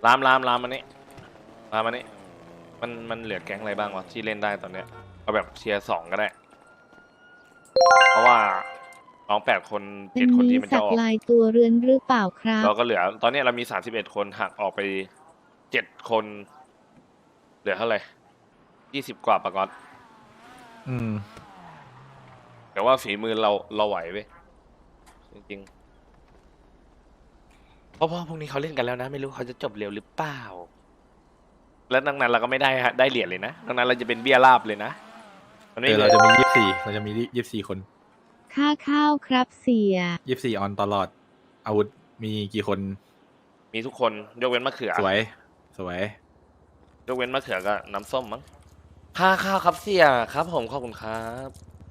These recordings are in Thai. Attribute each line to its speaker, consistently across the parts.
Speaker 1: รามมันนี่รามมันนี่มันเหลือแก๊งอะไรบ้างวะที่เล่นได้ตอนเนี้ยเอาแบบเชียร์2ก็ได้เพราะว่าน้อง8 คน7 คนที่มันจะออก
Speaker 2: ลายตัวเรือนหรือเปล่าครับ
Speaker 1: เราก็เหลือตอนนี้เรามี31 คนหักออกไป7 คนเหลือเท่าไหร่20 กว่าปะก๊อตแต่ว่าฝีมือเราไหวเว้ยจริงๆเพราะพวกนี้เขาเล่นกันแล้วนะไม่รู้เขาจะจบเร็วหรือเปล่าแล้วดังนั้นเราก็ไม่ได้เหรียญเลยนะดังนั้นเราจะเป็นเบี้ยราบเลยนะมันไม่
Speaker 3: เราจะมีเราจะมี24 คน
Speaker 2: ค่าข้าวครับเสีย
Speaker 3: 24ออนตลอดอาวุธมีกี่คน
Speaker 1: มีทุกคนยกเว้นมะเขือ
Speaker 3: สวย
Speaker 1: ยกเว้นมะเขือกับน้ำส้มมั้งค่าข้าวครับเสียครับผมขอบคุณครับ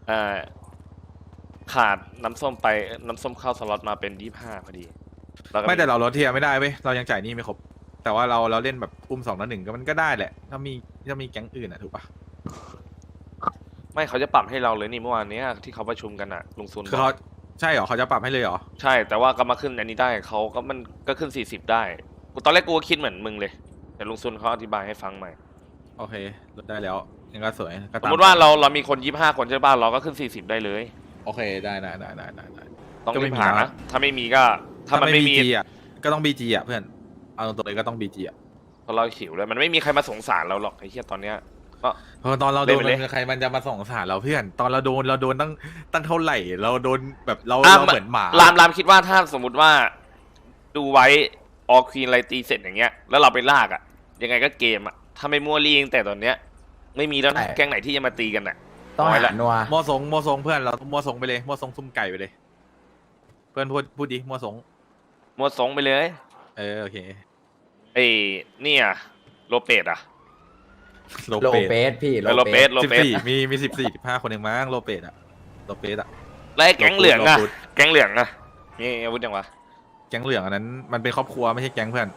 Speaker 1: ขาดน้ำส้มไปน้ำส้มเข้าสล็อตมาเป็น25พอดี
Speaker 3: ไม่แต่เราลดเทียไม่ได้เว้ยเรายังจ่ายหนี้ไม่ครบแต่ว่าเราเล่นแบบอุ้ม2-1ก็มันก็ได้แหละถ้ามีแก๊งอื่นอ่ะถูกปะ
Speaker 1: ไม่เขาจะปรับให้เราเลยนี่เมื่อวานนี้ที่เขาประชุมกันอะลุงซุน
Speaker 3: คือเขาใช่เหรอเขาจะปรับให้เลยเหรอ
Speaker 1: ใช่แต่ว่าก็มาขึ้นอันนี้ได้เขาก็มันก็ขึ้น40ได้ตอนแรกกูก็คิดเหมือนมึงเลยแต่ลุงซุนเขาอธิบายให้ฟังใหม่
Speaker 3: โอเคลดได้แล้วยังก็สวย
Speaker 1: สมมติว่าเรามีคน25 คนใช่ป่ะเราก็ขึ้น40ได้เลย
Speaker 3: โอเคได้
Speaker 1: ต้องรีบหานะถ้าไม่มีก็ถ้ามันไม่มี
Speaker 3: อ่ะก็ต้อง BG อ่ะเพื่อนเอาตรงๆเลยก็ต้อง BG อ่ะ
Speaker 1: เพราะเราหิวเลยมันไม่มีใครมาสงสารเราหรอกไอ้เหี้ยตอนเนี้ยก็
Speaker 3: ตอนเราโดนใครมันจะมาสงสารเราเพื่อนตอนเราโดนตั้งเท่าไหร่เราโดนแบบเราเหมือนหมาร
Speaker 1: ามคิดว่าถ้าสมมติว่าดูไว้ออควีนอะไรตีเสร็จอย่างเงี้ยแล้วเราไปลากอ่ะยังไงก็เกมอ่ะถ้าไม่มั่วลี่แต่ตอนเนี้ยไม่มีแล้วนะแก๊งไหนที่จะมาตีกันอ่ะ
Speaker 4: ต้องหานัว
Speaker 3: มัวสงเพื่อนเรามัวสงไปเลยมัวสงซุ่มไก่ไปเลยเพื่อนพูดดิมัวสง
Speaker 1: ไปเลย
Speaker 3: โอเค
Speaker 1: ไอ้เนี่ยโลเปตอ่ะ
Speaker 4: โลเปสพี่
Speaker 1: โลเปส
Speaker 3: มี14-15 คนเองมั้งโลเปสอ่ะ
Speaker 1: แล้วแก๊งเหลืองอ่ะนี่อาวุธยังวะ
Speaker 3: แก๊งเหลืองอันนั้นมันเป็นครอบครัวไม่ใช่แก๊งเพื่อน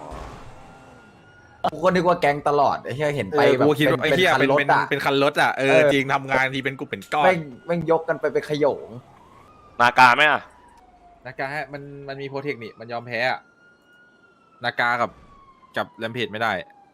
Speaker 4: กูก็นึกว่าแก๊งตลอดไอ้เหี้ยเห็นไปแบบ
Speaker 3: เป็นคันรถอ่ะเป็นคันรถอ่ะจริงทำงานทีเป็นกลุ่มเป็นก้อน
Speaker 4: แม่งยกกันไปขยง
Speaker 1: นากาไหมอ่ะ
Speaker 3: นากามันมีโปรเทคนี่มันยอมแพ้อะนากากับแรมเพจไม่ได้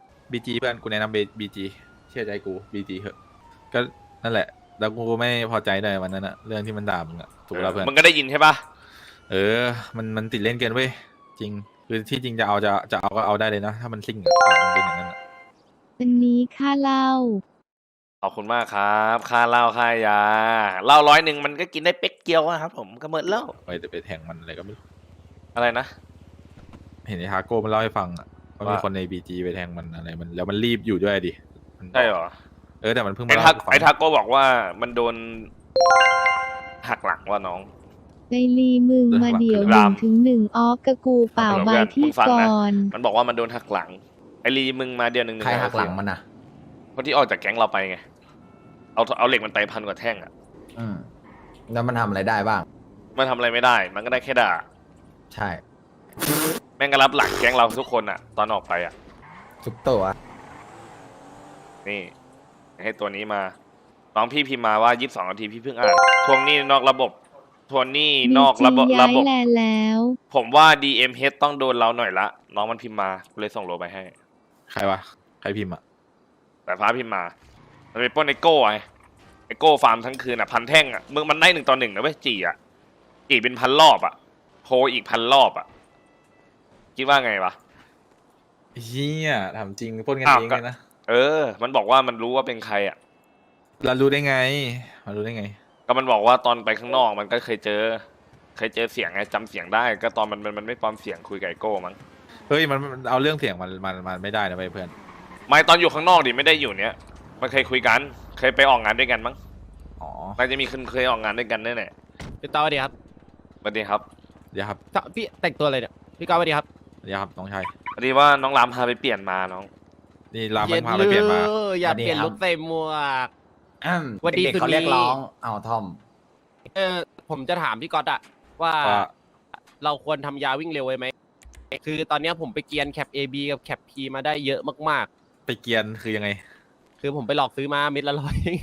Speaker 3: BGเพื่อนกูแนะนำBGเชื่อใจกูBGเหอะก็นั่นแหละแล้วกูไม่พอใจเลยวันนั้นอะเรื่องที่มันด่ามึงอะถูกแล้วเพื่อน
Speaker 1: มึงก็ได้ยินใช่ปะ
Speaker 3: มันติดเล่นเกินเว้ยจริงคือที่จริงจะเอาก็เอาได้เลยนะถ้ามันซิ่งอะมันเป็นอย่างนั้นอะ
Speaker 2: วันนี้ค่าเหล้า
Speaker 1: ขอบคุณมากครับค่าเหล้าค่ายาเหล้า100มันก็กินได้เป๊กเกียวอะครับผมก็เมิดเหล้า
Speaker 3: ไปแทงมันอะไรก็ไม่รู้
Speaker 1: อะไรนะ
Speaker 3: เห็นไอ้ฮาโก้มันเล่าให้ฟังอะว่ามีคนในBGไปแทงมันอะไรมันแล้วมันรีบอยู่ด้วยดิ
Speaker 1: ใช่เหรอ
Speaker 3: แต่มันเพิ่งมา
Speaker 1: ไอ้ทาโก้บอกว่ามันโดนหักหลังว่าน้อง
Speaker 2: ไดลีมึงมาเดี๋ยว1-1ออกกะกูเปล่าใบที่ก่อน
Speaker 1: มันบอกว่ามันโดนหักหลังไอลีมึงมาเดี๋ยว1-1
Speaker 4: ใครหักหลังมันอ่ะ
Speaker 1: คนที่ออกจากแก๊งเราไปไงเอาเหล็กมันไป1,000 กว่าแท่งอ่ะ
Speaker 4: แล้วมันทำอะไรได้บ้าง
Speaker 1: มันทำอะไรไม่ได้มันก็ได้แค่ด่า
Speaker 4: ใช่
Speaker 1: แม่งก็รับหลังแก๊งเราทุกคนอ่ะตอนออกไปอ่ะ
Speaker 4: ทุกตัว
Speaker 1: นี่ให้ตัวนี้มาน้องพี่พิมพ์มาว่า22 นาทีพี่เพิ่งอ่านทวงหนี้นอกระบบทวงหนี้นอกระบบ
Speaker 2: แล้ว
Speaker 1: ผมว่า DMH ต้องโดนเราหน่อยละน้องมันพิมพ์มาเลยส่งโลไปให้
Speaker 3: ใครวะใครพิมพ์อะ
Speaker 1: แต่ฟ้าพิมพ์มามันเป็นป้นไอโก้ไอโก้ฟาร์มทั้งคืนอ่ะ1,000 แท่งอ่ะมึงมันได้1-1นะเว้ยจีอ่ะจีเป็น1,000 รอบอ่ะโพอีก1,000 รอบอ่ะคิดว่าไงวะ
Speaker 3: เฮียถามจริงป้นกันเองเลยนะ
Speaker 1: มันบอกว่ามันรู้ว่าเป็นใครอ่ะ
Speaker 3: เรารู้ได้ไง
Speaker 1: ก็มันบอกว่าตอนไปข้างนอกมันก็เคยเจอเสียงไงจำเสียงได้ก็ตอนมันไม่ปลอมเสียงคุยกับไอโก้มั้ง
Speaker 3: เฮ้ยมันเอาเรื่องเสียงมันไม่ได้นะเพื่อน
Speaker 1: ไม่ตอนอยู่ข้างนอกดิไม่ได้อยู่เนี้ยมันเคยคุยกันเคยไปออกงานด้วยกันมั้งน่าจะมีเคยออกงานด้วยกันแน่
Speaker 5: ๆพี่ต้อสวัสดีครับ
Speaker 1: สวัสดีครับ
Speaker 5: พี่แต่งตัวอะไรเนี่ยพี่ก้าวสวัสดีครับ
Speaker 3: น้องชาย
Speaker 1: พอดีว่าน้องรามพาไปเปลี่ยนมาน้อง
Speaker 3: นี่รามมันพาไปเปลี่ยนมา
Speaker 5: อยากเปลี่ยนลุคใส่หมวก
Speaker 4: วันดีเขาเรียกร้องเอาทอม
Speaker 5: ผมจะถามพี่ก๊อตอะว่าเราควรทำยาวิ่งเร็วไว้ไหมคือตอนนี้ผมไปเกียนแคป AB กับแคป P มาได้เยอะมาก
Speaker 3: ๆไปเกียนคือยังไง
Speaker 5: คือผมไปหลอกซื้อมาเม็ดละ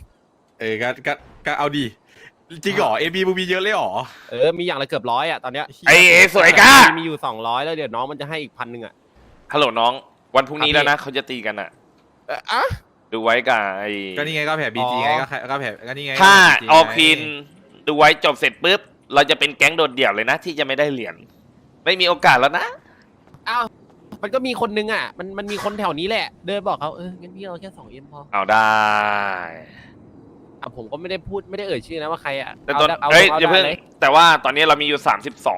Speaker 5: 100
Speaker 3: ก็เอาดีจริงเหรอ AB มึงมีเยอะเลยเหรอ
Speaker 5: มีอย่างละเกือบ100อะตอนเนี้ย
Speaker 1: ไอ้สวยก้า
Speaker 5: มีอยู่200แล้วเดี๋ยวน้องมันจะให้อีก1,000อะ
Speaker 1: ฮัลโหลน้อง วันพรุ่งนี้แล้วนะเขาจะตีกันอ่ะ
Speaker 5: อ่ะ
Speaker 1: ดูไว้กับไอ้
Speaker 3: ก็นี่ไงก็แผ่บีจีไงก็แผ่ก็นี่ไง
Speaker 1: ถ้า
Speaker 3: ก็แผ่ BG
Speaker 1: ออ
Speaker 3: ไง
Speaker 1: ควีนดูไว้จบเสร็จปุ๊บ เราจะเป็นแก๊งโดดเดี่ยวเลยนะ ที่จะไม่ได้เหรียญไม่มีโอกาสแล้วนะ
Speaker 5: อ้าวมันก็มีคนนึงอ่ะมันมีคนแถวนี้แหละ เดินบอกเขางั้นพี่เอาแค่2Mพอ
Speaker 1: เอาได้
Speaker 5: ผมก็ไม่ได้พูดไม่ได้เอ่ยชื่อนะว่าใครอ่ะ
Speaker 1: แต่ตอน
Speaker 5: เอา
Speaker 1: เฮ้ย
Speaker 5: เอา
Speaker 1: อย่าเพิ่ง
Speaker 5: ได้เลย
Speaker 1: แต่ว่าตอนนี้เรามีอยู่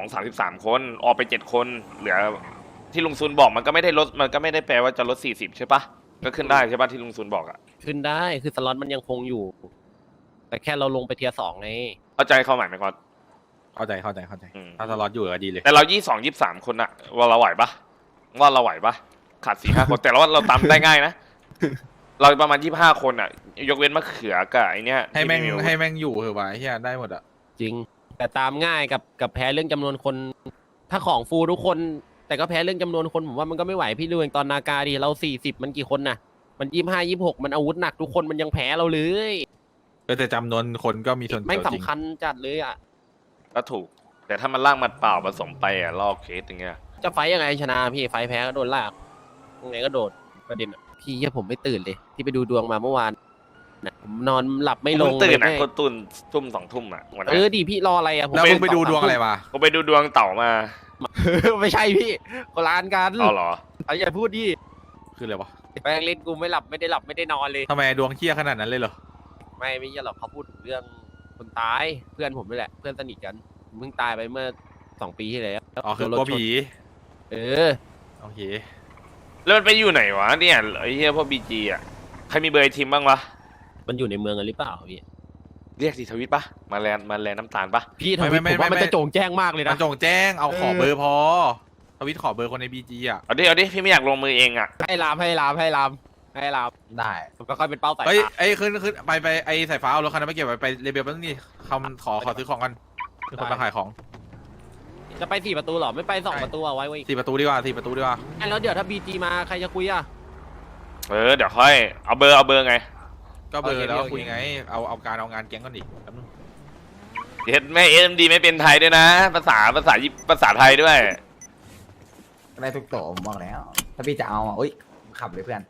Speaker 1: 33 คนออกไป7 คนเหลือที่ลุงซูนบอกมันก็ไม่ได้ลดมันก็ไม่ได้แปลว่าจะลด40ใช่ปะก็ขึ้นได้ใช่ปะที่ลุงซูนบอกอะ
Speaker 5: ขึ้นได้คือสล็อตมันยังคงอยู่ แต่แค่เราลงไปเทียร์2ไง
Speaker 1: เข้าใจเข้าหมายไหมก่อน
Speaker 3: เข้าใจ
Speaker 1: อืม
Speaker 3: ถ้าสล็อตอยู่ก็ดีเลย
Speaker 1: แต่เรา23 คนอะว่าเราไหวปะว่าเราไหวปะขาด4-5 คนแต่เราว่าเราตามได้ง่ายนะ เราประมาณ25 คนอะยกเว้นมะเขือกับไอเนี้ย
Speaker 3: ให้แม่ง
Speaker 1: ที่
Speaker 3: ให้แม่งอยู่เหอะวะไอ้เฮียได้หมดอ่ะ
Speaker 5: จริง แต่ตามง่ายกับแพ้เรื่องจำนวนคน ถ้าของฟูลทุกคน แต่ก็แพ้เรื่องจำนวนคนผมว่ามันก็ไม่ไหวพี่ดูเองตอนนาการดิเรา40มันกี่คนน่ะ มัน25 26มันอาวุธหนักทุกคนมันยังแพ้เราเลย
Speaker 3: แต่จำนวนคนก็มีส่วน
Speaker 5: ไม่
Speaker 3: เกี่ยวจริง
Speaker 5: สำคัญจัดเลยอ่ะ
Speaker 1: ก็ถูก แต่ถ้ามันล่างมัดเปล่าผสมไปอะลอกเคสอย่างเงี้ย
Speaker 5: จะไฟต์ยังไงชนะพี่ไฟต์แพ้ก็โดนลากยังไงก็โดดประเด็นอะพี่เหี้ยผมไม่ตื่นเลย ที่ไปดูดวงมาเมื่อวานนะผมนอนหลับไม่ลง
Speaker 1: เพิ่ตื่น
Speaker 5: เลย
Speaker 1: อะ
Speaker 5: แม่
Speaker 1: คนตื่นทุ่ม2 ทุ่มอะวัน
Speaker 5: เอ
Speaker 1: นั้น
Speaker 5: อดิพี่รออะไรอะผม
Speaker 3: แล้วมึงไปดูดวงอะไรมา
Speaker 1: ผมไปดูดวงเต่ามา
Speaker 5: ไม่ใช่พี่คนละอันกัน
Speaker 1: เอาเหรอ
Speaker 5: เอาอย่าพูดดิ
Speaker 3: คืออะไรวะ
Speaker 5: แป้งเล่นกูไม่หลับไม่ได้นอนเลย
Speaker 3: ทำไมดวงเคี้ยขนาดนั้นเลยเหรอ
Speaker 5: ไม่ใช่หรอกเขาพูดถึงเรื่องคนตายเพื่อนผมนี่แหละเพื่อนสนิทกันเพิ่งตายไปเมื่อ2 ปีที่แล้ว
Speaker 3: อ๋อคือก
Speaker 5: โดนร
Speaker 3: ลัว
Speaker 5: ถชน
Speaker 3: ผี
Speaker 5: เออ
Speaker 3: โอเค
Speaker 1: แล้วมันไปอยู่ไหนวะเนี่ยไอ้เหี้ยพวกบีจีอะใครมีเบอร์ไอ้ทีมบ้างวะ
Speaker 5: มันอยู่ในเมืองกันหรือเปล่าพี่
Speaker 1: เรียกสิทวิตปะมาแลนน้ำตาลปะ
Speaker 5: พี่ทวิตผมว่ามันจะโจ่งแจ้งมากเลย
Speaker 3: มั
Speaker 5: นะ
Speaker 3: นจงแจ้งเอาขอเบอร์พอทวิตขอเบอร์คนในบีจีอ่ะ
Speaker 1: เอาดิพี่ไม่อยากลงมือเองอะ
Speaker 5: ให้ลาม
Speaker 4: ได้
Speaker 5: ผมก็ค่อยเป็นเป้าสาย
Speaker 3: เอ้ย
Speaker 5: ตา
Speaker 3: ไอ้ยขึ้นไปไอ้สายฟ้าเอารถคันนั้นไปเก็บไปเรเบลแป๊บนึงนี่คำขอซื้อของกันมีคนมาขายของ
Speaker 5: จะไป4 ประตูเหรอไม่ไป2 ประตูเอาไว้ไว้
Speaker 3: 4 ประตูดีกว่า4 ประตูดีกว่า
Speaker 5: แล้วเดี๋ยวถ้าบีจีมาใครจะคุยอ่ะ
Speaker 1: เดี๋ยวค่อยเอาเบอร์ไง
Speaker 3: ก็เบอ
Speaker 5: โอเค
Speaker 3: ร์แล้ว
Speaker 5: โอเค
Speaker 3: คุยไงเอาการเอางานแก๊งก่อนดิแป๊บนึง
Speaker 1: เห็นแม่AMDไม่เป็นไทยด้วยนะ ภาษาไทยด้วย
Speaker 4: ได้ทุกโตะผมบอกแล้ว ถ้าพี่จะเอาอ่ะอุ้ยขับเลยเพื่อน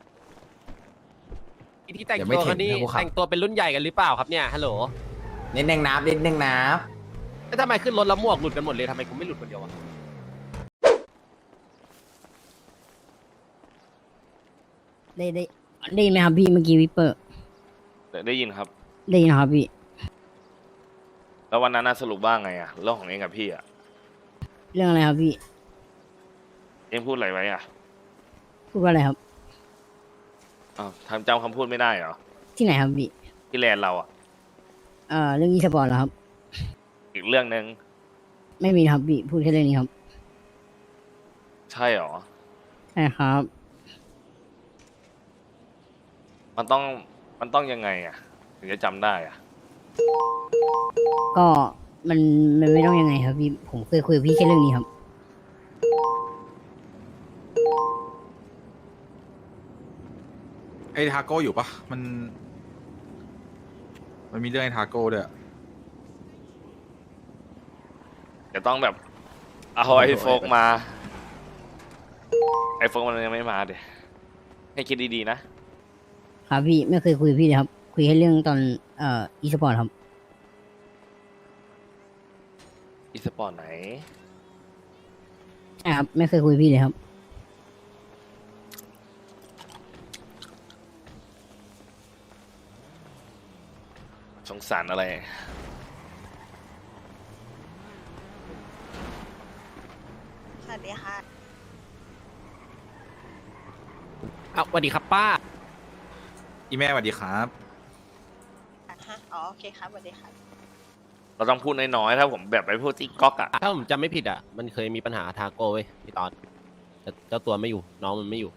Speaker 5: ที่แต่ง
Speaker 4: เดี๋ยวไม่
Speaker 5: ตัว
Speaker 4: ถึง
Speaker 5: กันนี่
Speaker 4: นะกูขับ
Speaker 5: แต่งตัวเป็นรุ่นใหญ่กันหรือเปล่าครับเนี่ยฮัลโหล
Speaker 4: นิดนึงนับ
Speaker 5: แล้วทำไมขึ้นรถแล้วหมวกหลุดกันหมดเลยทำไมกูไม่หลุดคนเดียวอะ
Speaker 6: ได้ยินไหมครับพี่เมื่อกี้วิปเปอร์
Speaker 1: ได้ยินครับ
Speaker 6: ได้ยินครับพี่
Speaker 1: แล้ววันนั้นน่ะสรุปว่าไงอะเรื่องของเองกับพี่อะ
Speaker 6: เรื่องอะไรครับพี่
Speaker 1: เองพูดอะไรไว้อะ
Speaker 6: พูดว่าอะไรครับ
Speaker 1: อ้าวทำจำคำพูดไม่ได้เหรอ
Speaker 6: ที่ไหนครับพี่
Speaker 1: ที่แลนด์เราอะ
Speaker 6: เรื่องอีสปอร์ตเหรอครับ
Speaker 1: อีกเรื่องนึง
Speaker 6: ไม่มีครับพี่พูดแค่เรื่องนี้ครับ
Speaker 1: ใช่เหรอ
Speaker 6: ใช่ครับ
Speaker 1: มันต้องยังไงอะถึงจะจำได้อะ
Speaker 6: ก็มันไม่ต้องยังไงครับพี่ผมเคยคุยกับพี่แค่เรื่องนี้ครับ
Speaker 3: ไอ้ทาโก้อยู่ปะมันมีเรื่องไอ้ทาโก้ด้วย
Speaker 1: จะต้องแบบเอาไอ้โฟกมาไอ้โฟกมันยังไม่มาเดี๋ยให้คิดดีๆนะครับ
Speaker 6: พี่ไม่เคยคุยกับพี่เลยครับ คุยแค่เรื่องตอนอีสปอร์ตครับ
Speaker 1: อีสปอร์ตไหน
Speaker 6: ใช่ครับไม่เคยคุยกับพี่เลยครับ
Speaker 1: สงสารอะไร
Speaker 7: สวัสดีค่ะ
Speaker 5: อ้าวสวัสดีครับป้า
Speaker 3: อีแม่สวัสดีครับ
Speaker 7: อ๋อ โอเคครับ สวัสดีครับ
Speaker 1: เราต้องพูดน้อยๆถ้าผมแบบไปพูดที่ก๊อกอะ
Speaker 5: ถ้าผมจำไม่ผิดอ่ะมันเคยมีปัญหาทาโก้เว้ยพี่ตอนแต่เจ้าตัวไม่อยู่น้องมันไม่อยู่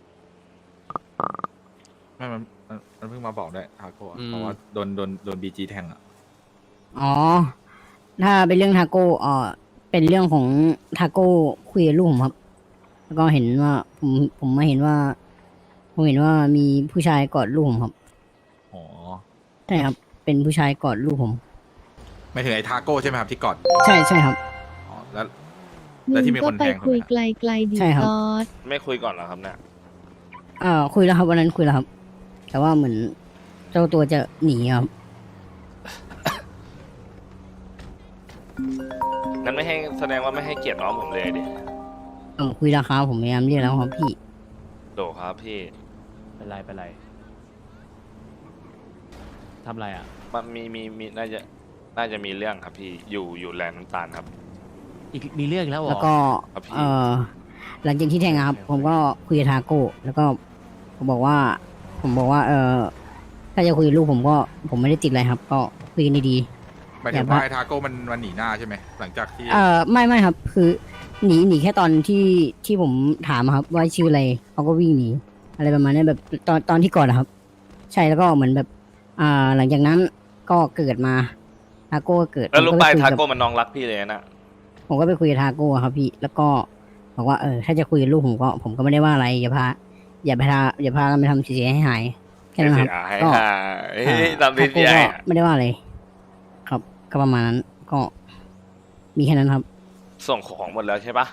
Speaker 3: ไม่มันเพิ่งมาบอกด้วยทาโก้อะ
Speaker 5: อืม
Speaker 3: เพราะว่าโดนบีจีแทงอ่ะ
Speaker 6: อ๋อ ถ้าเป็นเรื่องทาโก้เป็นเรื่องของทาโก้คุยกับลูกผมครับ แล้วก็เห็นว่าผมมาเห็นว่า ผมเห็นว่ามีผู้ชายกอดลูกผมครับ
Speaker 3: อ๋อ
Speaker 6: ใช่ครับ เป็นผู้ชายกอดลูกผม
Speaker 3: ไม่ถึงไอ้ทาโก้ใช่ไหมครับที่กอด
Speaker 6: ใช่ครับ
Speaker 3: อ๋อแล้ว
Speaker 2: มึ
Speaker 3: แล้ว
Speaker 2: ง
Speaker 3: ที่มี
Speaker 2: ก็
Speaker 3: คน
Speaker 2: ไป
Speaker 3: แทง
Speaker 2: คุย
Speaker 3: ถูกไหม
Speaker 2: ไกลๆดิ
Speaker 6: ใช่ครับ
Speaker 2: ตอด
Speaker 1: ไม่คุยก่อนเหรอครับเนี่ย
Speaker 6: คุยแล้วครับวันนั้นคุยแล้วครับ แต่ว่าเหมือนเจ้าตัวจะหนีครับ
Speaker 1: งั้นไม่ให้แสดงว่าไม่ให้เกียรติน้องผมเลยดิ
Speaker 6: คุยแล้วครับผมพยายามเรียกแล้วครับพี่
Speaker 1: โดครับพี่
Speaker 5: เป็นไรเป็นไรทำไรอ่ะ
Speaker 1: มันมีน่าจะมีเรื่องครับพี่อยู่แลนด์น้ำตาลครับ
Speaker 5: อีกมีเรื่องอีกแล้วเหรอ
Speaker 6: แล้วก็
Speaker 1: ครับพี่
Speaker 6: หลังจากที่แทงอะครับ ผมก็คุยกับทาโก้แล้วก็ผมบอกว่า ถ้าจะคุยกับลูกผมไม่ได้ติดอะไรครับ ก็คุยกันดี
Speaker 3: หมายถึงว่าไอ้ทาโก้มันหนีหน้าใช่ไหมหลังจากที่
Speaker 6: ๆไม่ครับ คือหนีแค่ตอนที่ผมถามอะครับ ว่าชื่ออะไรเขาก็วิ่งหนีอะไรประมาณนี้แบบตอนที่ก่อนนะครับ ใช่แล้วก็เหมือนแบบ หลังจากนั้นก็เกิดมาทาโก้ก็เกิด
Speaker 1: แล้วรู้
Speaker 6: ผม
Speaker 1: ป่ะ
Speaker 6: ก็
Speaker 1: ไอ้
Speaker 6: ไป
Speaker 1: ทา
Speaker 6: คุยกับ
Speaker 1: โก้มันน้องรักพี่เลยนะ
Speaker 6: ผมก็ไปคุยกับทาโก้ครับพี่ แล้วก็บอกว่าถ้าจะคุยกับลูกผมก็ไม่ได้ว่าอะไรอย่าพากันไปทำเสียให้หายแค่นั้นครับ
Speaker 1: ให้
Speaker 6: ก็
Speaker 1: ตาม
Speaker 6: ทา
Speaker 1: ที่
Speaker 6: โก้
Speaker 1: ใหญ่
Speaker 6: ก็ไม่ได้ว่าอะไรครับ ก็ประมาณนั้นก็ มีแค่นั้นครับ
Speaker 1: ส่งของหมดแล้วใช่ปะ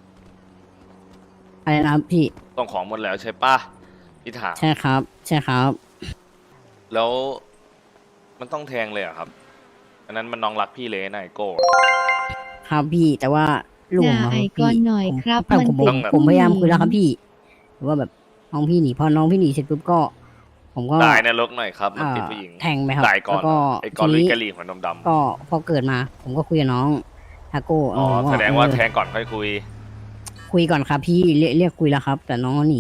Speaker 6: อะไรนะครับพี่
Speaker 1: ส่งของหมดแล้วใช่ปะพี่ถาม
Speaker 6: ใช่ครับ ใช่ครับ
Speaker 1: แล้วมันต้องแทงเลยเหรอะครับอันนั้นมันน้องรักพี่เลยนะไอโก้
Speaker 6: ครับพี่แต่ว่าลูกผม
Speaker 2: ด่า
Speaker 6: อะ
Speaker 2: ไอ้
Speaker 6: พี่
Speaker 2: ก้อนหน่อยครับ
Speaker 6: ผม
Speaker 2: มัน
Speaker 6: ผม
Speaker 2: เป็น
Speaker 6: ผมพยายาม
Speaker 2: ผู้หญิง
Speaker 6: คุยแล้วครับพี่แต่ว่าแบบน้องพี่หนีพอน้องพี่หนีเสร็จปุ๊บก็ ผมก็
Speaker 1: ตายในรกหน่อยครับ มันติดผู้หญิง
Speaker 6: แทงไปครับ
Speaker 1: ตายก่อน
Speaker 6: แล้วก็
Speaker 1: ไอ้ก่อน
Speaker 6: ที
Speaker 1: ลุย
Speaker 6: นี้
Speaker 1: กะหรี่หัวนมดำ
Speaker 6: ก็พอเกิดมา ผมก็คุยกับน้องทาโก้
Speaker 1: อ๋อ
Speaker 6: ผม
Speaker 1: แสดงว่า
Speaker 6: เออ
Speaker 1: แทงก่อนค่อยคุย
Speaker 6: คุยก่อนครับพี่เรียกคุยแล้วครับ แต่น้องเขาหนี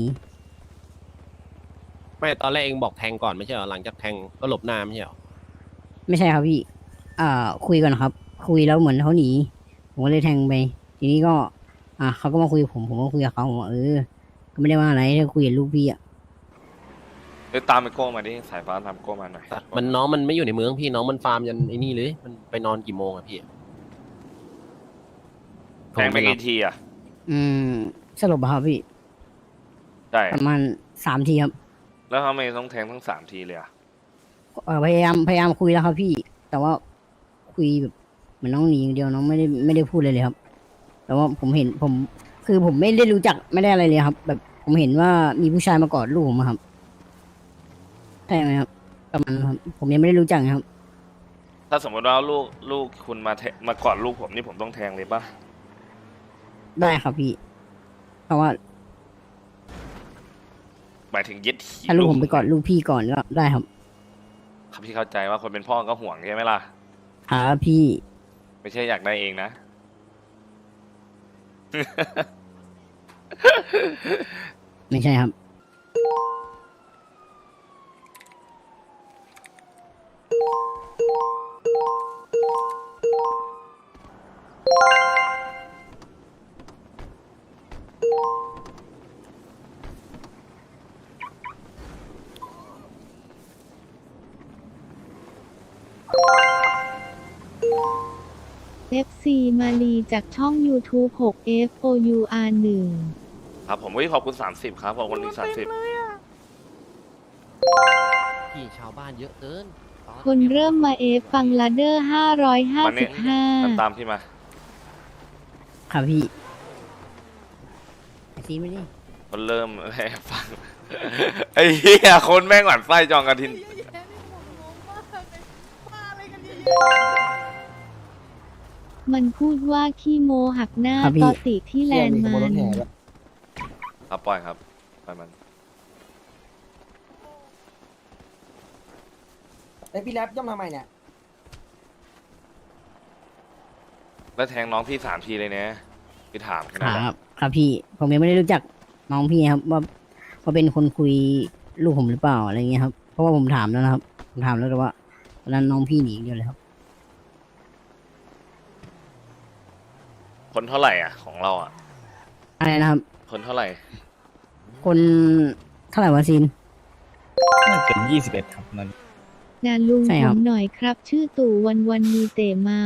Speaker 5: ไม่ตอนแรกเองบอกแทงก่อนไม่ใช่เหรอหลังจากแทงก็หลบหน้าไม่ใช่เหรอ
Speaker 6: ไม่ใช่ครับพี่ คุยก่อนครับ คุยแล้วเหมือนเขาหนี ผมก็เลยแทงไป ทีนี้ก็ เขาก็มาคุยกับผมก็คุยกับเขาผมว่าก็ไม่ได้ว่าอะไรถ้าคุยกับลูกพี่อ่ะ
Speaker 1: เดี๋ยวตามไอโก้มาดิ สายฟ้าตามโก้มาหน่อย
Speaker 5: มันน้องมันไม่อยู่ในเมืองพี่น้องมันฟาร์มยันไอ้นี่เลยมันไปนอนกี่โมงอะพี่
Speaker 1: แทงไปกี่ทีอ่ะ
Speaker 6: สรุปอะครับพี่
Speaker 1: ใช่
Speaker 6: ประมาณ3 ทีครับ
Speaker 1: แล้วทำไมต้องแทงทั้ง3 ทีเลยอ่ะ
Speaker 6: พยายามคุยแล้วครับพี่ แต่ว่าคุยแบบเหมือนน้องหนีอย่างเดียวน้องไม่ได้พูดเลยครับ แต่ว่าผมเห็นคือผมไม่ได้รู้จักไม่ได้อะไรเลยครับ แบบผมเห็นว่ามีผู้ชายมากอดลูกผมอะครับใช่ไหมครับประมาณนั้นครับผมยังไม่ได้รู้จักนะครับ
Speaker 1: ถ้าสมมติว่าลูกคุณมากอดลูกผมนี่ผมต้องแทงเลยป่ะ
Speaker 6: ได้ครับพี่ เพราะว่า
Speaker 1: หมายถึงยึดหี
Speaker 6: ถ้าลูกผมไปกอดลูกพี่ก่อนก็ได้ครับ
Speaker 1: ครับพี่เข้าใจว่าคนเป็นพ่อก็ห่วงใช่ไหมล่ะ
Speaker 6: ครับพี่
Speaker 1: ไม่ใช่อยากได้เองนะ
Speaker 6: ไม่ใช่ครับ
Speaker 2: FC มาลีจากช่อง YouTube 6 FOUR 1
Speaker 1: ครับผมขอบคุณ30ครับขอบคุณอีก30
Speaker 5: พี่ชาวบ้านเยอะเกินตอน
Speaker 2: คนเริ่มมาฟังลาเดอร์
Speaker 1: มาเนี่ยตามพี่มา
Speaker 6: ครับพี่ซีไม่ได้
Speaker 1: คนเริ่ม ฟัง ไอ้เหี้ยคนแม่งหวานไส้จองกระทิน
Speaker 2: มันพูดว่าขี้โมหักหน้าตอติที่แลนด์มัน
Speaker 1: ครับปล่อยครับปล่อยมัน
Speaker 8: ไอพี่แรปย่อมทำไมเนี่ย
Speaker 1: แล้วแทงน้องพี่3 ทีเลยเนี่ยพี่ถามแค่
Speaker 6: ค
Speaker 1: นั้นแหละ
Speaker 6: รับครับพี่ ผมยังไม่ได้รู้จักน้องพี่ครับ ว่าเป็นคนคุยลูกผมหรือเปล่าอะไรเงี้ยครับ เพราะว่าผมถามแล้วนะครับ ผมถามแล้วแต่ว่าตอนนั้นน้องพี่หนีอย่างเดียวเลยครับ
Speaker 1: คนเท่าไหร่อ่ะของเราอ่ะ
Speaker 6: อะไรนะครับ
Speaker 1: คนเท่าไหร่
Speaker 6: คนเท่าไหร่วะซีน
Speaker 9: น่าจะเป็น21 ครับนั้น
Speaker 2: นาลุง
Speaker 6: ใช่
Speaker 2: ผ
Speaker 6: ครับ
Speaker 2: มหน่อยครับ ชื่อตู่วันมีเตะเมา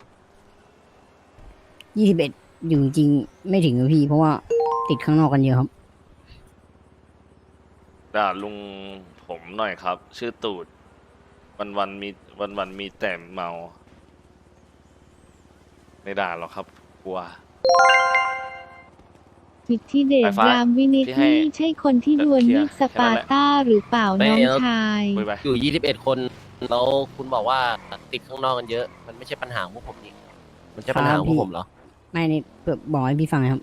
Speaker 6: 21อยู่จริงๆไม่ถึงครับพี่ เพราะว่าติดข้างนอกกันเยอะครับ
Speaker 1: ด่าลุงผมหน่อยครับ ชื่อตูดวันมีแต่เมา ไม่ด่าหรอกครับกลัว
Speaker 2: อิทธิเดช
Speaker 1: ไฟฟ้าร
Speaker 2: ามวินิจ
Speaker 1: ที่ให้
Speaker 2: นี่ใช่คนที่ดวลมีดสปาร์ต้าหรือเปล่าน้องชาย
Speaker 1: คุยไป
Speaker 5: อยู่ 21 คนแล้วคุณบอกว่าติดข้างนอกกันเยอะ มันไม่ใช่ปัญหาของพวกผมนี่มันใช่ปัญหาของพวกผมเหรอ
Speaker 6: ไม่นี่เปิดบอกให้พี่ฟังนะครับ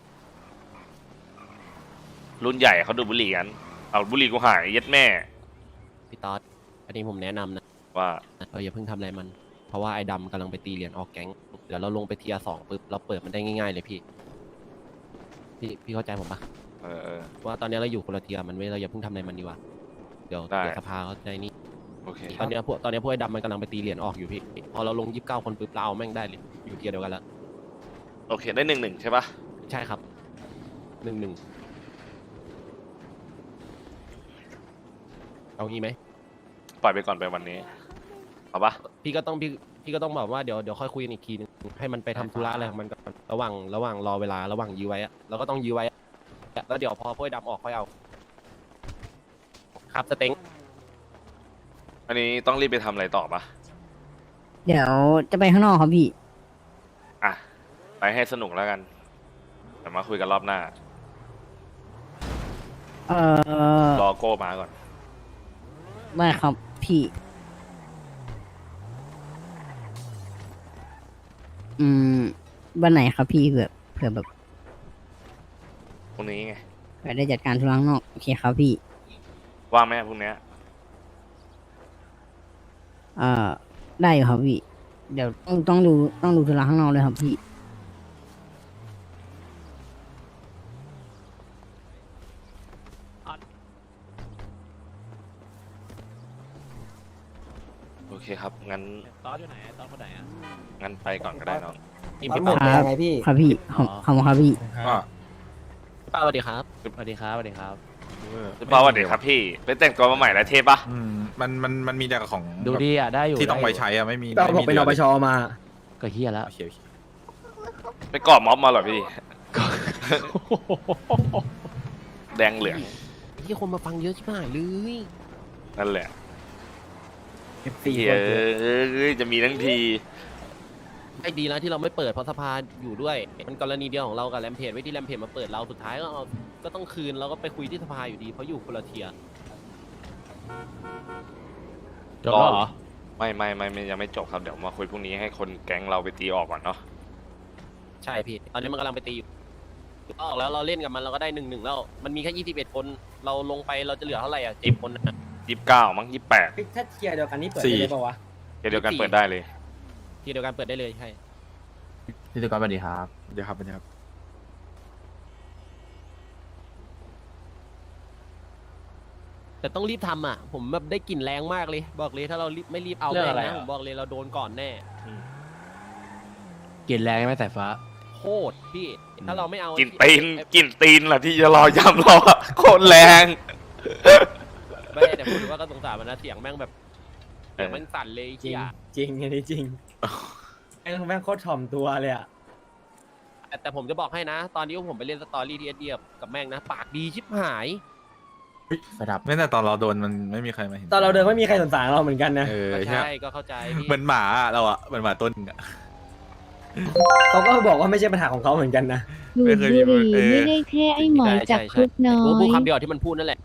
Speaker 1: รุ่นใหญ่เขาดูดบุหรี่กัน เอาบุหรี่กูหายเย็ดแม่
Speaker 5: พี่ต๊อดอันนี้ผมแนะนำนะ
Speaker 1: ว่า
Speaker 5: เราอย่าเพิ่งทำอะไรมัน เพราะว่าไอ้ดำกำลังไปตีเหรียญออกแก๊ง เดี๋ยวเราลงไปเทียร์2ปุ๊บเราเปิดมันได้ง่ายๆเลยพี่เข้าใจผมปะ
Speaker 1: เออ
Speaker 5: ว่าตอนนี้เราอยู่คนละเทียร์มันไม่เราอย่าเพิ่งทำอะไรมันดีกว่าเดี๋ยว
Speaker 1: ได้
Speaker 5: สภาเขาใจนี่
Speaker 1: โอเค
Speaker 5: ตอนนี้พวกไอ้ดำมันกำลังไปตีเหรียญออกอยู่พี่พอเราลง29 คนปุ๊บเราเอาแม่งได้เลยอยู่เทียร์เดียวกันแล้ว
Speaker 1: โอเค ได้1-1ใช่ปะ
Speaker 5: ใช่ครับ1-1เอางี้ไหม
Speaker 1: ปล่อยไปก่อนไปวันนี้ เอาปะ
Speaker 5: พี่ก็ต้องบอกว่าเดี๋ยวค่อยคุยกันอีกทีนึงให้มันไปทำธุระอะไรของมันก่อนระหว่างรอเวลาระหว่างยื้อไว้อะเราก็ต้องยื้อไว้อะแล้วเดี๋ยวพอพวกไอ้ดำออกค่อยเอาครับสเต็ง
Speaker 1: อันนี้ต้องรีบไปทำอะไรต่อปะ
Speaker 6: เดี๋ยวจะไปข้างนอกครับพี่
Speaker 1: อ่ะ ไปให้สนุกแล้วกันเดี๋ยวมาคุยกันรอบหน้า รอโก้มาก่อน
Speaker 6: ได้ครับพี่ วันไหนครับพี่เผื่อแบบ
Speaker 1: พรุ่งนี้ไง
Speaker 6: เผื่อได้จัดการธุระข้างนอกโอเคครับพี่
Speaker 1: ว่างไหมพรุ่งนี้
Speaker 6: ได้อยู่ครับพี่ เดี๋ยวต้องดูธุระข้างนอกเลยครับพี่
Speaker 1: โอเคครับ งั้น
Speaker 5: ตอนอยู่ไหนตอนคนไหนอ่ะ
Speaker 1: งั้นไปก่อนก็ได้น้อง
Speaker 5: พี่
Speaker 8: มันหม
Speaker 5: ป้า
Speaker 8: ดแล้วไงพี่
Speaker 6: ครับพี่ขอบคุณครับพี่
Speaker 3: ก็
Speaker 5: สวัสดีครับสวัสดีครับสวัสดีครับ
Speaker 1: พี่เปาสวัสดีครับพี่ ไปแต่งตัวมาใหม่แล้วเทปปะ
Speaker 3: มันมีแต่ของ
Speaker 5: ดูดีอ่ะได้อยู่
Speaker 3: ที่ต้องไว้ใช้อะไม่มี
Speaker 8: เราบอกเป็นนปชมา
Speaker 5: ก็เฮียแล้ว
Speaker 3: โอเค
Speaker 1: ไปกรอบม็อบมาเหรอพี่ แดงเหลือง
Speaker 5: ที่คนมาฟังเยอะชิบหายเลย
Speaker 1: นั่นแหละ
Speaker 8: สี่
Speaker 1: เฮ้
Speaker 8: คน
Speaker 1: ยจะมีทั้งที
Speaker 5: ไอ้ดีนะที่เราไม่เปิดเพราะสภาอยู่ด้วยมันกรณีเดียวของเรากับแรมเพจไว้ที่แรมเพจมาเปิดเราสุดท้ายก็ต้องคืนเราก็ไปคุยที่สภาอยู่ดีเพราะอยู่คนละเทียร์
Speaker 1: จบแล้วเหรอ ไม่ยังไม่จบครับ เดี๋ยวมาคุยพรุ่งนี้ให้คนแก๊งเราไปตีออกก่อนเนาะ
Speaker 5: ใช่พี่ตอนนี้มันกำลังไปตีอยู่ออกแล้วเราเล่นกับมันเราก็ได้1-1แล้วมันมีแค่21คนเราลงไปเราจะเหลือเท่าไหร่อ่ะ10 คนนะ
Speaker 1: 29มั้ง28
Speaker 8: ถ้าเทียร์เดียวกันนี่เปิดได้เลยปะวะ
Speaker 1: เดี๋ยวกันเปิดได้เลย
Speaker 5: ทีเดียวกันเปิดได้เลยใช่
Speaker 4: พี่ตุกรสวัสดีครับ
Speaker 3: เดี๋ยวครับ
Speaker 5: แต่ต้องรีบทำอ่ะผมแบบได้กลิ่นแรงมากเลยบอกเลยถ้าเราไม่รีบเอาแม่งนะผมบอกเลยเราโดนก่อนแน่
Speaker 9: กลิ่นแรงไหมสายฟ้า
Speaker 5: โคตรพี่ถ้าเราไม่เอา
Speaker 1: กินตีนล่ะที่จะรอยำเราอะโคตรแรง
Speaker 5: ไม่แต่พูดถึงว่าก็สงสารมันนะเสียงแม่งแบบเสียงแม่งสั่นเลย
Speaker 8: จริง
Speaker 5: เฮีย
Speaker 8: จริงอันนี้จริงไอ้แม่งโคตรถ่อมตัวเลยอ่ะ
Speaker 5: แต่ผมจะบอกให้นะ ตอนนี้ผมไปเล่นสตอรี่ที่เดียบกับแม่งนะปากดีชิบหาย
Speaker 4: ไฟดับ
Speaker 3: ไม่แต่ตอนเราโดนมันไม่มีใครมาเห็น
Speaker 8: ตอนเราเดินไม่มีใครสนใจเราเหมือนกันนะ
Speaker 5: ก็
Speaker 3: ใช่
Speaker 5: ใช่ก็เข้าใจพี่
Speaker 3: เหมือนหมาอะเราอะเหมือนหมาตัวหนึงอะ
Speaker 8: เขาก็บอกว่าไม่ใช่ปัญหาของเขาเหมือนกันนะ
Speaker 2: ดูดบุหรี่ไม่ได้แค่ไอ้หมอจับครุฑน้อ
Speaker 5: ผมพูด
Speaker 2: ย
Speaker 5: คำเดียวที่มันพูดนั่นแหละ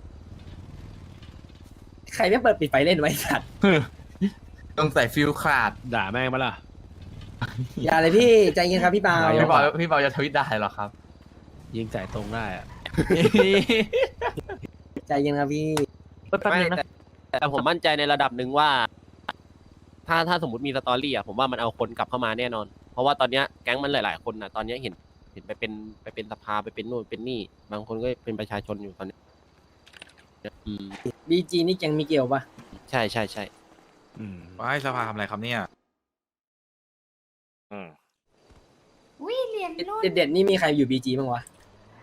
Speaker 8: ใครไม่เปิดปิดไฟเล่นไว้สัตว์
Speaker 4: ต้องใส่ฟิลขาด
Speaker 9: ด่าแม่งมาล่ะ
Speaker 8: อย่าเลยพี่ใจเย็นครับพี่เปา
Speaker 4: พี่เปาจะทวิตได้หรอครับ
Speaker 9: ยิงใส่ตรงได้อะ
Speaker 8: ใจเย็นครับพี่
Speaker 5: ไม่แต่ผมมั่นใจในระดับหนึ่งว่า ถ้าสมมติมีสตอรี่อ่ะผมว่ามันเอาคนกลับเข้ามาแน่นอน เพราะว่าตอนเนี้ยแก๊งมันหลายๆคนนะตอนเนี้ยเห็นไปเป็นสภาไปเป็นนู่นเป็นนี่ บางคนก็เป็นประชาชนอยู่ตอนนี้
Speaker 8: บีจีนี่แกงมีเกี่ยวปะ
Speaker 5: ใช่ใช่ใช่
Speaker 3: ว่าให้สภาทำอะไรครับเนี่ย
Speaker 1: อืม
Speaker 10: อุ้ยเรียนรุ่น
Speaker 8: เด็ดๆนี่มีใครอยู่บีจีบ้างวะ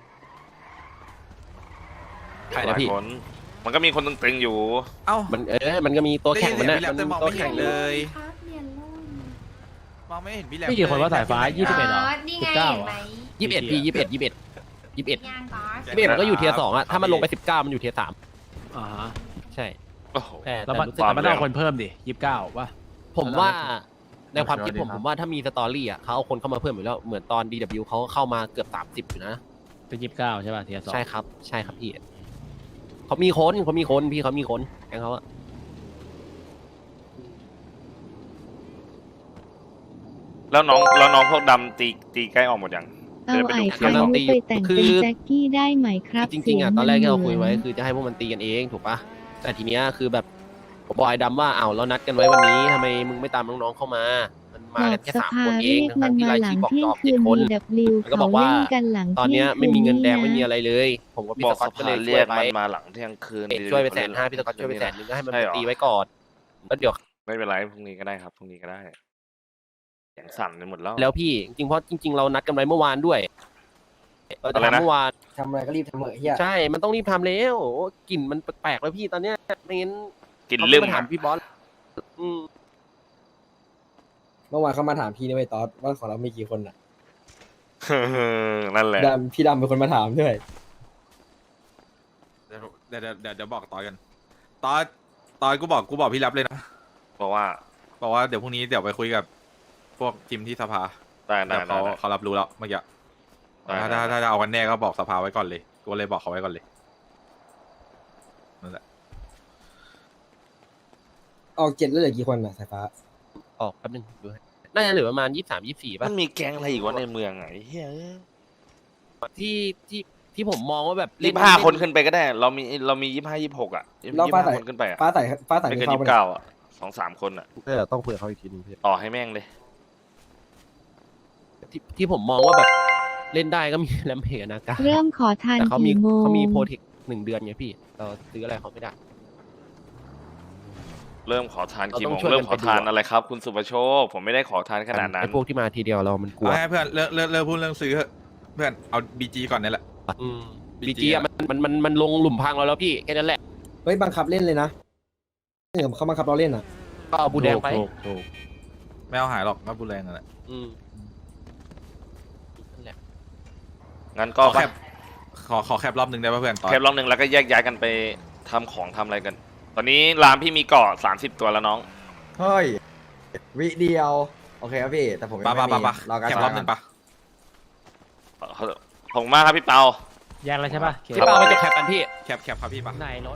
Speaker 5: ใครนะพี่
Speaker 1: หลายคนมันก็มีคนตึงๆอยู่
Speaker 3: เอ้า
Speaker 5: มันก็มีตัวแข่งมันนะ
Speaker 3: ได้ยินเสียงพี่แรปแต่มอง
Speaker 5: ตัว
Speaker 3: ไม่
Speaker 5: แข่
Speaker 3: เห็
Speaker 5: ง
Speaker 3: นเลย
Speaker 10: ครับเรียนรุ่น
Speaker 3: มองไม่เห็นพี่แหลม
Speaker 9: พี่กี่คนว่าสายฟ้า
Speaker 3: เลย
Speaker 9: 21เหรอ
Speaker 10: นี่ไง
Speaker 9: 19
Speaker 10: เห็นไหม
Speaker 5: 21พี่21
Speaker 10: ย่างก๊อซ
Speaker 5: 21มันก็อยู่เทียร์2อ่ะถ้ามันลงไป19มันอยู่เทียร์3
Speaker 9: อ่าฮะ
Speaker 5: ใช่
Speaker 1: โอ้โห
Speaker 9: แล้วมัน
Speaker 5: รู้สึก
Speaker 1: ความ
Speaker 9: มันต้องเอาคนเพิ่มดิ29ป่ะ
Speaker 5: ผมว่าในความคิดผมว่าถ้ามีสตอรี่อ่ะเขาเอาคนเข้ามาเพิ่มอยู่แล้วเหมือนตอน DW เขาเข้ามาเกือบ30อยู่นะ
Speaker 9: เป็น29ใช่ป่ะเทียร์2
Speaker 5: ใช่ครับ ใช่ครับพี่เขามีคนพี่เขามีคนแกงเขาอะ
Speaker 1: แล้วน้องพวกดำตีใกล้ออกหมดยัง
Speaker 2: เอา
Speaker 1: จะได้ไป
Speaker 2: ไอ้
Speaker 1: ดู
Speaker 2: คายุไปแต่งเป็นแจ็คกี้ได้ไหมครับ
Speaker 5: จริงๆอะ
Speaker 2: เสีย
Speaker 5: ตอนแรกที่เราคุยไว้
Speaker 2: มันหมือน
Speaker 5: คือจะให้พวกมันตีกันเองถูกปะแต่ทีเนี้ยคือแบบผมบอกไอ้ดำว่าอ้าวเรานัดกันไว้วันนี้ทำไมมึงไม่ตามน้องๆเข้ามา มันมา
Speaker 2: บอ
Speaker 5: กั
Speaker 2: ก
Speaker 5: นแค่
Speaker 2: ส
Speaker 5: สาม
Speaker 2: ภา
Speaker 5: คนเอ
Speaker 2: เรี
Speaker 5: ง
Speaker 2: ยกมั
Speaker 5: ทั้
Speaker 2: น
Speaker 5: งๆที่
Speaker 2: มาร
Speaker 5: าย
Speaker 2: หลั
Speaker 5: ชื่
Speaker 2: ง
Speaker 5: อบอก
Speaker 2: เที่ย
Speaker 5: จ
Speaker 2: ง
Speaker 5: อบ
Speaker 2: คื
Speaker 5: 7
Speaker 2: น
Speaker 5: คน
Speaker 2: DW
Speaker 5: แล้วก็บ
Speaker 2: เขา
Speaker 5: อกว่า
Speaker 2: เล่นกันหลัง
Speaker 5: ตอน
Speaker 2: เที่
Speaker 5: เนี้
Speaker 2: ย
Speaker 5: ย
Speaker 2: ง
Speaker 5: ไม่มีเงินแดง
Speaker 2: คื
Speaker 5: ไม่มี
Speaker 2: นะ
Speaker 5: อะไรเลยผมกับพี่
Speaker 1: บ
Speaker 5: ส
Speaker 1: อก
Speaker 5: กอต
Speaker 1: ส
Speaker 5: ก็เล
Speaker 1: ภาย
Speaker 5: ช่
Speaker 1: เรี
Speaker 5: วย ย
Speaker 1: ก
Speaker 5: ไป
Speaker 1: มันมาหลังเที่ยงคืน
Speaker 5: ช่วยไป150,000พี่สกอตช่วยไป100,000ก็ให้มันไปตีไว้ก่อนแล้วเดี๋ยว
Speaker 1: ไม่เป็นไรพรุ่งนี้ก็ได้ครับพรุ่งนี้ก็ได้เสียงสั่นไปหมดแล้ว
Speaker 5: แล้วพี่จริงๆเพราะจริง ๆ เรานัดกันไว้เมื่อวานด้วยเราจะ
Speaker 1: อะไรนะ
Speaker 5: ทำเมื่อวาน
Speaker 4: ทำอะไรก็รีบทำเหอะเฮีย
Speaker 5: ใช่มันต้องรีบทำแล้วโอ้กลิ่นมันแปลกๆแล้วพี่ตอนเนี้ยไม่งั้น
Speaker 1: กิน
Speaker 5: เขา
Speaker 1: ลืม
Speaker 5: ไม่มาถาม
Speaker 1: อะ
Speaker 5: พี่บอสอืม
Speaker 8: เมื่อวานเขามาถามพี่นะไอ้ตอสว่าของเรามีกี่คนอ่ะ
Speaker 1: นั่นแหละ
Speaker 8: พี่ดำเป็นคนมาถามด้วย
Speaker 3: เดี๋ยวบอกตอยกันตอยกูบอกพี่รับเลยนะ
Speaker 1: บอกว่า
Speaker 3: บอกว่าเดี๋ยวพรุ่งนี้เดี๋ยวไปคุยกับพวกทีมที่สภา
Speaker 1: ได้
Speaker 3: เดี๋ยวเขารับรู้แล้วเมื่อกี้ ถ้าเอากันแน่ก็บอกสภาไว้ก่อนเลยกูเลยบอกเขาไว้ก่อนเลยนั่นแหละ
Speaker 8: ออก7แล้วเหลือกี่คนอ่ะสายฟ้า
Speaker 5: ออกแป๊บนึงดูให้น่าจะเหลือประมาณ23-24ป่ะ
Speaker 1: มันมีแก๊งอะไรอีกวะในเมืองไงเฮ้ย
Speaker 5: ที่ผมมองว่าแบบ
Speaker 1: 25 คนขึ้นไปก็ได้ เรามี25 26อ่ะ
Speaker 8: เราฟ้าใส
Speaker 1: 25 คนขึ้นไปอ่ะ
Speaker 8: ฟ้าใส
Speaker 1: ไม่เกิน
Speaker 8: เข้าไป
Speaker 1: 29อ่ะ2-3 คนอ่ะ
Speaker 5: ต้องคุยกับเขาอีกทีนึงพี่
Speaker 1: ต่อให้แม่งเลย
Speaker 5: ที่ผมมองว่าแบบเล่นได้ก็มีแลมเพจนะกา
Speaker 2: เริ่มขอทาน
Speaker 5: แต่เขามี
Speaker 2: กี่โมง
Speaker 5: โปรเทค1 เดือนไงพี่เราซื้ออะไรเขาไม่ได้
Speaker 1: เริ่มขอทานกี่โมง
Speaker 5: เราต้องช่วยกัน
Speaker 1: เริ่มขอทาน
Speaker 5: ไปดูอะ
Speaker 1: อะไรครับ คุณสุประโชค ผมไม่ได้ขอทานขนาดนั้น
Speaker 5: ไอ้พวกที่มาทีเดียวเรามันกลัว
Speaker 3: เอาให้เพื่อนเลิกพูดเรื่องซื้อเถอะเพื่อนเอาบีจีก่อนนี่แหละ
Speaker 5: บี
Speaker 3: BG
Speaker 5: จีอะมันลงหลุมพังเราแล้วพี่แค่นั้นแหละ
Speaker 8: เฮ้ยบังคับเล่นเลยนะเขาบังคับเราเล่นอ่ะ
Speaker 5: ก็เอาบูแดงไป
Speaker 9: ถูก
Speaker 3: ไม่เอาหายหรอกก็บูแรงนั่นแหละ
Speaker 5: นั่นแหละ
Speaker 1: งั้น
Speaker 3: ข
Speaker 1: ก็
Speaker 3: อแคปขอแคปรอบหนึ่งได้ป่ะเพื่อนตอน
Speaker 1: แคปรอบหนึ่งแล้วก็แยกย้ายกันไปทำของทำอะไรกัน ตอนนี้รามพี่มีเกาะ30 ตัวแล้วน้อง
Speaker 4: เฮ้ยวิเดียวโอเคครับพี่แต่ผมยัง
Speaker 3: ปะ
Speaker 4: ไม่มี
Speaker 3: ปะ
Speaker 4: รอการ
Speaker 3: แคปรอบหนึ่งปะ
Speaker 1: ขอบคุณมากครับพี่เปา
Speaker 9: แยกแล้วใช่ป่ะ
Speaker 5: พี่เปาไปจบแคปกันพี่
Speaker 3: แคปครับพี่ปะ
Speaker 9: ไหนรถ